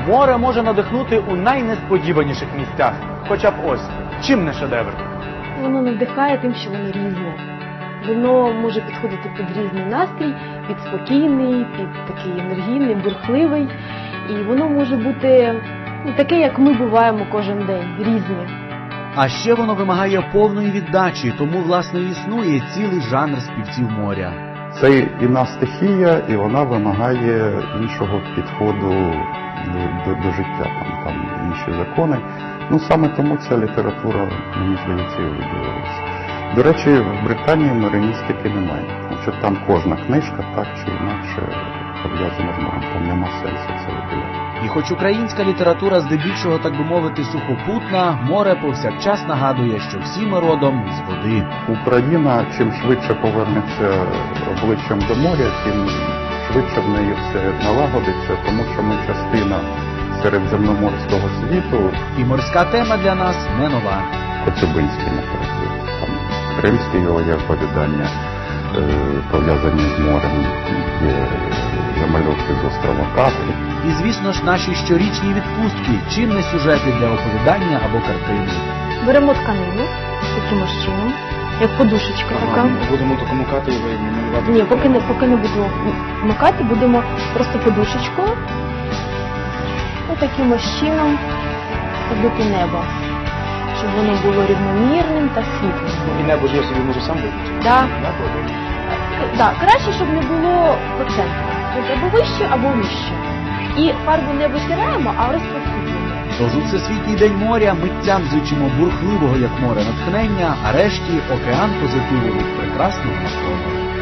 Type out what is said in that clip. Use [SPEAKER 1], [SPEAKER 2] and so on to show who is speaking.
[SPEAKER 1] Море може надихнути у найнесподіваніших місцях. Хоча б ось, чим не шедевр?
[SPEAKER 2] Воно надихає тим, що воно різне. Воно може підходити під різний настрій, під спокійний, під такий енергійний, бурхливий. І воно може бути таке, як ми буваємо кожен день, різне.
[SPEAKER 3] А ще воно вимагає повної віддачі, тому, власне, існує цілий жанр співців моря.
[SPEAKER 4] Це інна стихія, і вона вимагає іншого підходу до життя, там інші закони. Саме тому ця література, мені здається, і виділилася. До речі, в Британії мариністики немає, тому що там кожна книжка так чи інакше пов'язана з морем, там нема сенсу це виділяти.
[SPEAKER 3] І хоч українська література здебільшого, так би мовити, сухопутна, море повсякчас нагадує, що всі ми родом з води.
[SPEAKER 4] Україна чим швидше повернеться обличчям до моря, тим швидше в неї все налагодиться, тому що ми частина середземноморського світу.
[SPEAKER 3] І морська тема для нас не нова.
[SPEAKER 4] Коцюбинський, наприклад, там кримське його є оповідання, пов'язані з морем, є замальовки з острова Капри.
[SPEAKER 3] І, звісно ж, наші щорічні відпустки, чим не сюжети для оповідання або картини.
[SPEAKER 2] Беремо тканину, таким чином, як подушечка така.
[SPEAKER 5] Будемо таку мукати і малювати?
[SPEAKER 2] Ні, поки не будемо макати, будемо просто подушечкою, таким чином робити небо, щоб воно було рівномірним та світлим.
[SPEAKER 5] І небо ж я собі можу сам робити?
[SPEAKER 2] Так, краще, щоб не було по центру. Тобто або вище, або вище. І фарбу не витираємо, а розпросвітлюємо.
[SPEAKER 3] Тож у Всесвітній день моря митцям зичимо бурхливого, як море, натхнення, а решті океан позитиву від прекрасного навколо.